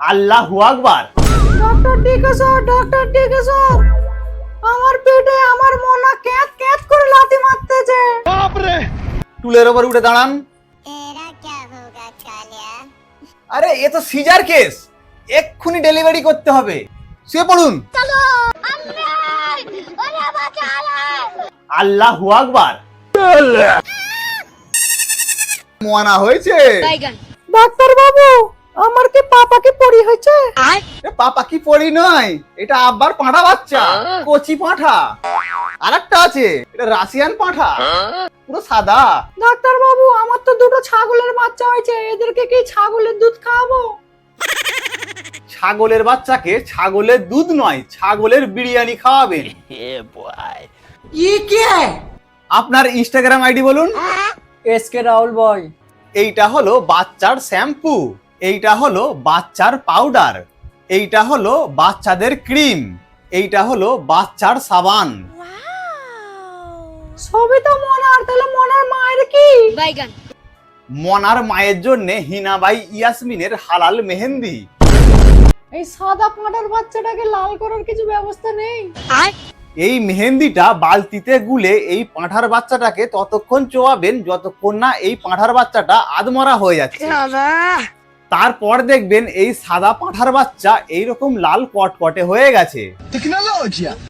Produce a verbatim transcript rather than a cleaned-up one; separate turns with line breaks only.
আল্লাহু আকবার।
Doctor DK sir, doctor DK sir, আমার পেটে আমার মনা ক্যাত ক্যাত করে লাথি মারতেছে।
টুলের ওপর উঠে দাঁড়ান। আরে এ তো সিজার কেস, এক্ষুনি ডেলিভারি করতে হবে। শুয়ে পড়ুন। আল্লাহু আকবার। মোয়ানা হয়েছে।
ডাক্তার বাবু, আমার কি পাপা কি পড়ি হয়েছে?
এ পাপা কি পড়ি নয়, এটা আব্বার পাঁঠা বাচ্চা, কচি পাঁঠা। আরেকটা আছে, এটা রাশিয়ান পাঁঠা, পুরো সাদা।
ডাক্তার বাবু, আমার তো দুটো ছাগলের বাচ্চা হয়েছে, এদেরকে কি ছাগলের দুধ খাওয়াবো?
ছাগলের বাচ্চাকে ছাগলের দুধ নয়, ছাগলের বিরিয়ানি খাওয়াবেন।
ये क्या है?
আপনার ইনস্টাগ্রাম আইডি বলুন।
एस के राहुल बॉय।
এইটা হলো বাচ্চার শ্যাম্পু, এইটা হলো বাচ্চার পাউডার, এইটা হলো বাচ্চাদের ক্রিম, এইটা হলো বাচ্চার সাবান।
সবই তো মনার, তাহলে মনার মায়ের কি?
মনার মায়ের জন্য হিনাবাই ইয়াসমিনের হালাল মেহেন্দি।
এই সাদা পাঁঠার বাচ্চাটাকে লাল করার কিছু ব্যবস্থা নেই?
এই মেহেন্দিটা বালতিতে গুলে এই পাঁঠার বাচ্চাটাকে ততক্ষণ চোয়াবেন যতক্ষণ না এই পাঁঠার বাচ্চাটা আধমরা হয়ে যাচ্ছে। তারপর দেখবেন এই সাদা পাঁঠার বাচ্চা এইরকম লাল কটকটে হয়ে গেছে।